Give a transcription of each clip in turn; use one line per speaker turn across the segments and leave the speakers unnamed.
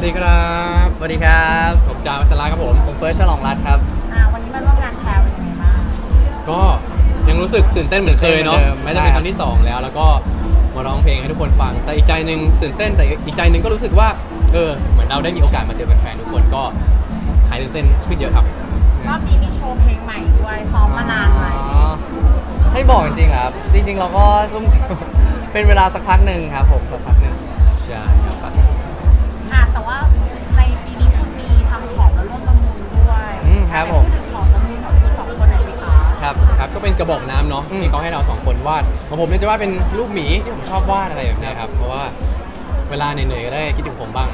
วัสดีครับ
สวัสดีครับ
ผมจาวัชระครับผม
เฟิร์สฉลองรัตน์ครับ
วันนี้มาร่วมงานแพลเป็นยังไงบ้าง
ก็ยังรู้สึกตื่นเต้นเหมือนเคยเนาะแม้จะเป็นครั้งที่2แล้วก็มาร้องเพลงให้ทุกคนฟังแต่อีกใจนึงตื่นเต้นแต่อีกใจนึงก็รู้สึกว่าเหมือนเราได้มีโอกาสมาเจอแฟนๆทุกคนก็หายตื่นเต้นขึ้นเยอะครับ
รอบนี้มีโชว์เพลงใหม่ด้วยซ้อมมานานไหม
ให้บอกจริงๆครับจริงๆเราก็ซุ่มเป็นเวลาสักพักหนึ่งครับผมสักพักหนึ่ง
ใช่ครับ
แต่ว่าในปีนี้คุณมีทำของแล้วร่วมประมูลด้วย
ครับผม
พูดถึงของประมูลของคุณสองคนหน่อยสิคะ
ครับก็เป็นกระบอกน้ำเนาะที่เขาให้เรา2คนวาดของผมเนี่ยจะวาดเป็นรูปหมีที่ผมชอบวาดอะไรแบบนี้ครับเพราะว่าเวลาเหนื่อยๆก็ได้คิดถึงผมบ้าง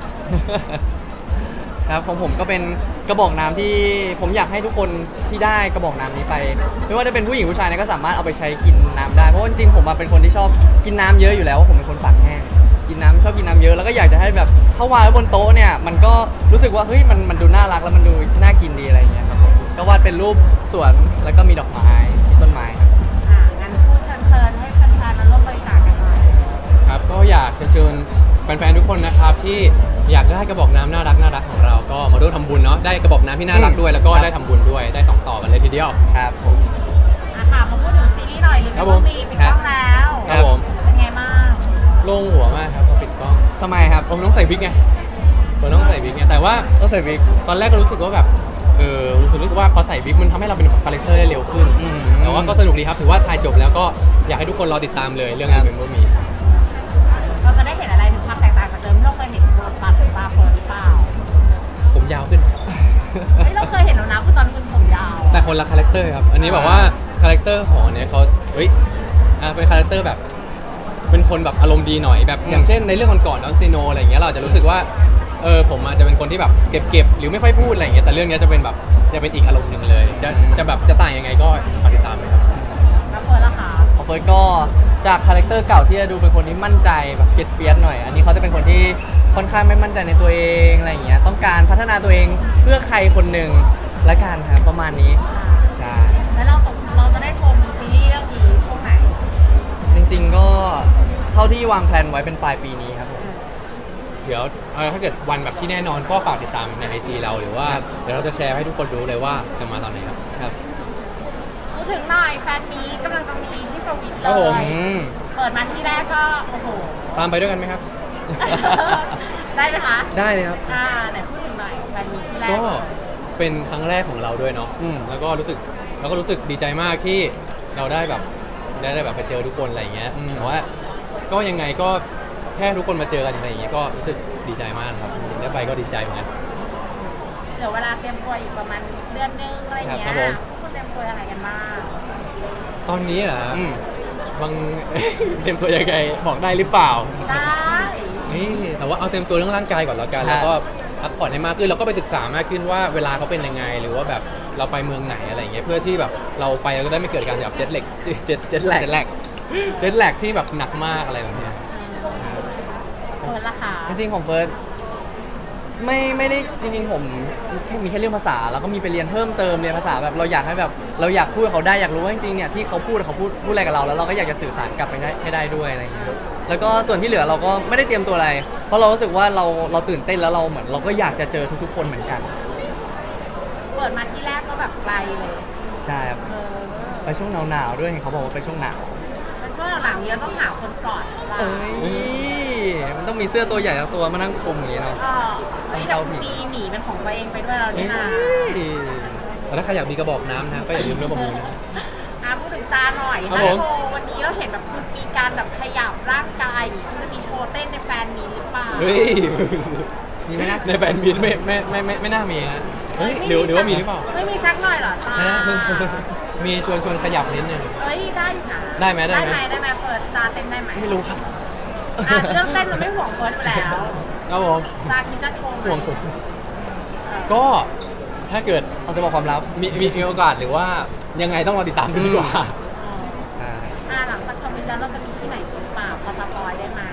ครับของผมก็เป็นกระบอกน้ำที่ผมอยากให้ทุกคนที่ได้กระบอกน้ำนี้ไปไม่ว่าจะเป็นผู้หญิงผู้ชายก็สามารถเอาไปใช้กินน้ำได้เพราะจริงๆผมเป็นคนที่ชอบกินน้ำเยอะอยู่แล้วผมเป็นคนปากแห้งกินน้ำชอบกินน้ำเยอะแล้วก็อยากจะให้แบบถ้าวางไว้บนโต๊ะเนี่ยมันก็รู้สึกว่าเฮ้ยมันดูน่ารักแล้วมันดูน่ากินดีอะไรอย่างเงี้ยครับก็วาดเป็นรูปสวนแล้วก็มีดอกไม้มีต้นไม้ครับ
งั้นพูดเชิญให้แฟนๆมาร่วมบริจาคกันหน่อย
ครับก็อยากเชิญแฟนๆทุกคนนะครับที่อยากได้กระบอกน้ำน่ารักของเราก็มาร่วมทำบุญเนาะได้กระบอกน้ำที่น่ารักด้วยแล้วก็ได้ทำบุญด้วยได้2ต่อกันเลยทีเดียว
ครับผม
มาพูดถึงซีรีส์หน่อยลิมิตมีปิดกล้องแล้ว
ครับผม
เป็นไงบ้าง
โล่งหัวมากครับพอปิดกล้อง
ทำไมครับ
ผมต้องใส่วิกไงผมต้องใส่วิกไงแต่ว่า
ต้องใส่วิก
ตอนแรกก็รู้สึกว่าแบบรู้สึกว่าพอใส่วิกมันทำให้เราเป็นแบบคาแรคเตอร์ได้เร็วขึ้นแต่ว่าก็สนุกดีครับถือว่าถ่ายจบแล้วก็อยากให้ทุกคนรอติดตามเลยเรื่องนี้เป็นโมมี
เราจะได้เห็นอะไรถึงความแตกต่างจากเดิมที่เราเคยเห็นบทบาทของตาเฟิร์นหรือเปล่า
ผมยาวขึ้น
เราเคยเห็นแล้วนะคือตอนคุณผมยาว
แต่คนละคาแรคเตอร์ครับอันนี้แบบว่าคาแรคเตอร์ของเนี่ยเขาเป็นคาแรคเตอร์แบบเป็นคนแบบอารมณ์ดีหน่อยแบบอย่างเช่นในเรื่องก่อนๆน้องซีโนอะไรอย่างเงี้ยเราจะรู้สึกว่าผมอาจจะเป็นคนที่แบบเก็บหรือไม่ค่อยพูดอะไรอย่างเงี้ยแต่เรื่องนี้จะเป็นแบบจะเป็นอีกอารมณ์หนึ่งเลยจะแบบจะต่างยังไงก็ฝากติดตามเลยครับ
แล้วเฟิร์นล่ะคะ
ของเฟิร์นก็จากคาแรคเตอร์เก่าที่จะดูเป็นคนที่มั่นใจแบบเฟียสหน่อยอันนี้เขาจะเป็นคนที่ค่อนข้างไม่มั่นใจในตัวเองอะไรอย่างเงี้ยต้องการพัฒนาตัวเองเพื่อใครคนหนึ่งละกันครับประมาณนี้ใช่
แล้วเราจะได้ชมซีรีส์เรื่องนี้ช่วงไหน
จริงๆก็เท่าที่วางแผนไว้เป็นปลายปีนี้ครับผม
เดี๋ยวถ้าเกิดวันแบบที่แน่นอนก็ฝากติดตามใน IG เราหรือว่าเดี๋ยวเราจะแชร์ให้ทุกคนรู้เลยว่าจะมาตอนไหนครับ
พูดถึงหน่อยแฟนมีกำลังจะมีที่สวิตเลยเปิดมาที่แรกก็โอ้โห
ตามไปด้วยกันไหมครับ
ได้ไหมคะ
ได้เลยครับ
ไหนพูดถึงหน่อยแฟนมีที่แรก
ก็เป็นครั้งแรกของเราด้วยเนาะแล้วก็รู้สึกดีใจมากที่เราได้แบบไปเจอทุกคนอะไรอย่างเงี้ยแต่ว่าก็ยังไงก็แค่ทุกคนมาเจอกันอะไรอย่างเงี้ยก็รู้สึกดีใจมากครับได้ไปก็ดีใจเหมือนกัน
เดี๋ยวเวลาเตรียมตัวอีกประมาณเดือนนึงอะไรอย่างเงี้ยคุณเตรียมตัวอะไรกันบ้าง
ตอนนี้เหรอบางเตรียมตัวยังไงบอกได้หรือเปล่า
ได้
นี่แต่ว่าเอาเตรียมตัวเรื่องร่างกายก่อนแล้วกันแล้วก็พักผ่อนให้มากขึ้นแล้วก็ไปศึกษามากขึ้นว่าเวลาเขาเป็นยังไงหรือว่าแบบเราไปเมืองไหนอะไรอย่างเงี้ยเพื่อที่แบบเราไปเราก็ได้ไม่เกิดการแบบเจ็ตแลกที่แบบหนักมากอะไรแบบนี้
เฟิร์สล่ะคะ
จริงๆของเฟิร์สไม่ได้จริงๆผมมีแค่เรื่องภาษาแล้วก็มีไปเรียนเพิ่มเติมเรียนภาษาแบบเราอยากให้แบบเราอยากพูดกับเขาได้อยากรู้ว่าจริงๆเนี่ยที่เขาพูดอะไรกับเราแล้วเราก็อยากจะสื่อสารกลับไปให้ได้ด้วยอะไรอย่างเงี้ยแล้วก็ส่วนที่เหลือเราก็ไม่ได้เตรียมตัวอะไรเพราะเรารู้สึกว่าเราตื่นเต้นแล้วเราเหมือนเราก็อยากจะเจอทุกๆคนเหมือนกัน
เปิดมาที่แรกก็แบบไกลเลย
ใช่ครับไปช่วงหนาวๆด้วยเห็นเขาบอกว่าไปช่วงหนาว
เป็นช่วงหลังๆนี้เราต้องหาคนกอด
มันต้องมีเสื้อตัวใหญ่แล้วตัวมานั่งคลุมอย่างนี้เนาะ
เรามีหมีเป็นของตัวเองไปด้วยเราเนี่ยนะ
แล้วถ้าใครอยากมีกระบอกน้ำนะก็อย่าลืมเรื่องประมูลนะ
พูดถึงตาหน่อยนะโชว์วันนี้เราเห็นแบบมีการแบบขยับร่างกายจะมีโชว์เต้นในแฟนมีหรือเปล่า
มีไหมนะในแฟนมีไม่น่ามีนะหรือว่ามีหรือเปล่า
ไม่มีสักหน่อยหรอตา
มีชวนขยับนิดนึง
ได้ค่ะ
ได้ไหม
เปิดตาเต้นได้ไหม
ไม่รู้ครับ
เรื่องเต้นมันไม่ห่วงเฟิร์สอยู่แล้ว
ครับผม
ตาคิดจะโชว์
ห่วงผมก็ถ้าเกิด
เราจะบอกความลับ
มีโอกาสหรือว่ายังไงต้องรอติดตามกันดีกว่า
หลังจากสมิธแล้วเราจะมีที่ไหนหรือเปล่าพอสปอยได้ไหม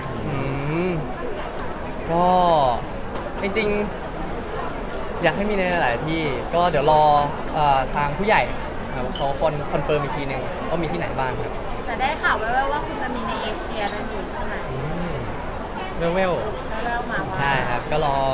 ก็จริงๆอยากให้มีในหลายที่ก็เดี๋ยวรอทางผู้ใหญ่เขาคอนเฟิร์มอีกทีหนึ่งว่ามีที่ไหนบ้างครับ
จะได้ข่าวว่าคุณจะมีในเอเชียด้วยใช่ไหม
เวล
มา
ใช่ครับก็รอ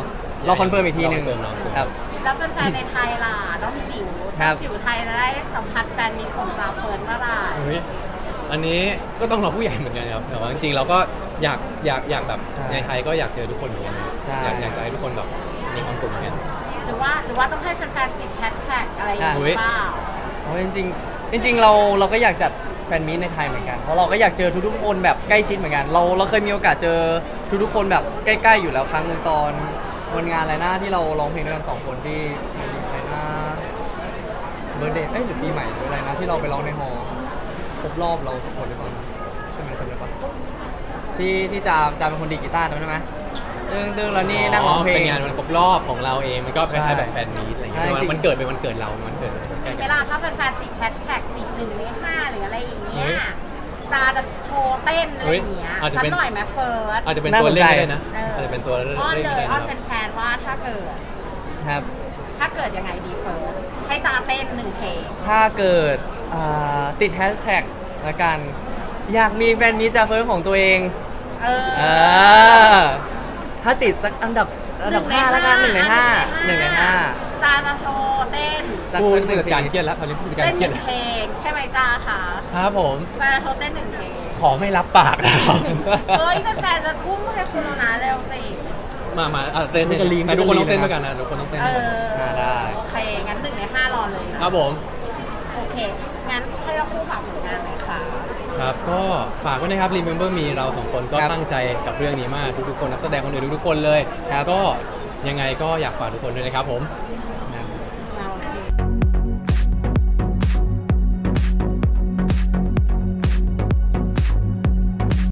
เราคอนเฟิร์มอีกทีหนึง
รอคอนเฟิร์ม
ครับ
แล้วแฟนๆในไทยล่ะน้องจิ๋ว
ครับ
จิ๋วไทยจะได้สัมผัสแฟนมีของจาเฟิร์นเมื่อไหร่
เฮ้ยอันนี้ก็ต้องรอผู้ใหญ่เหมือนกันครับแต่ว่าจริงๆเราก็อยากแบบ
ใช่
ในไทยก็อยากเจอทุกคนเหมือนกัน
ใช่
อยากจะให้ทุกคนแบบมีความสุขเหมือนกัน
หรือว่าต้องให้แฟนๆติดแฮชแท็กอะไรอย่างเงี้ย
อุ๊ย
เปล่า
เพราะจริงๆเราก็อยากจัดแฟนมีตในไทยเหมือนกันเพราะเราก็อยากเจอทุกๆคนแบบใกล้ชิดเหมือนกันเราเคยมีโอกาสเจอทุกๆคนแบบใกล้ๆอยู่แล้วครั้งหนึ่งตอนวันงานอะไรนะที่เราร้องเพลงด้วยกัน2 คนที่อะไรนะเบอร์เดย์หรือปีใหม่หรืออะไรนะที่เราไปร้องในฮอลล์ครบรอบเรา2 คนหรือเปล่านะใช่ไหมจำได้ปะที่จะเป็นคนดีดกีตาร์จำได้ไหมตึ้งแล้วนี่นั่งร้องเพลง
เป็นงานวันครบรอบของเราเองมันก็คล้ายๆแบบแฟนมีตอะไรอย่างเงี้ย
ใช่จริง
มันเกิดเป็นวันเกิดเรามันเกิดใกล้ๆ
เว
กัน
ลาถ้าแฟนๆติดแฮชแท็กติด1 ใน 5หรืออะไรอย่างเงี้
เฮ้
ย
ย
จาจะโชว์เต้นอะไรอย่างเงี้ย
เฮ้ยอาจจะ
สัก
เป็น
หน่อยไหมเฟิร์ส
อาจจะเป็นตัวเล่นก็ได้นะ
เอออ
อาจจะเป็นตัวเล่น
อ้อน
ก็
เลย
ได้
อ้อน
นะ
เป็นแฟนว่าถ้าเกิด
ครับ
ยังไงดีเฟิร์สให้จาเต้น1 เพลง
ถ้าเกิดติดแฮชแท็กละกัน อยากมีแฟนมีตจากเฟิร์สของตัวเอง
เออ
อ่าถ้าติดสักอันดับ5แล้วกัน1 ใน 5 1 ใน 5
จาจะโชว์เต้น
สัก
ผู้
หนึ่ง
จัดการเครียดแล้วตอนนี้ผู้จัดการ
เต้น
เครียด
1
แล้ว
เพลงใช่ไหมจาคะ
ครับผม
จาจะโชว์เต้น1 เพลง
ขอไม่รับปากนะครับ
เฮ้ยแฟนๆจะทุ่มให้คุณแล้วนะเร็วสิ
มาเต้นแต่ทุกคนต้องเต้นด้วยกันนะทุกคนต้องเต้น
เอ
ด้วยกัน
อ
ได้
โอเค งั้น1 ใน 5 รอเลยนะครับ
ผม
โอเค งั้นให้เราคู่ฝากผลงานหน่อยค่ะ
ครับก็ฝากไว้นะครับ Remember Me เราสองคนก็
ครับ
ตั้งใจกับเรื่องนี้มากทุกๆคนนักแสดงคนอื่นทุกๆคนเลย
ครับ
ก็ยังไงก็อยากฝากทุกคนด้วยนะครับผม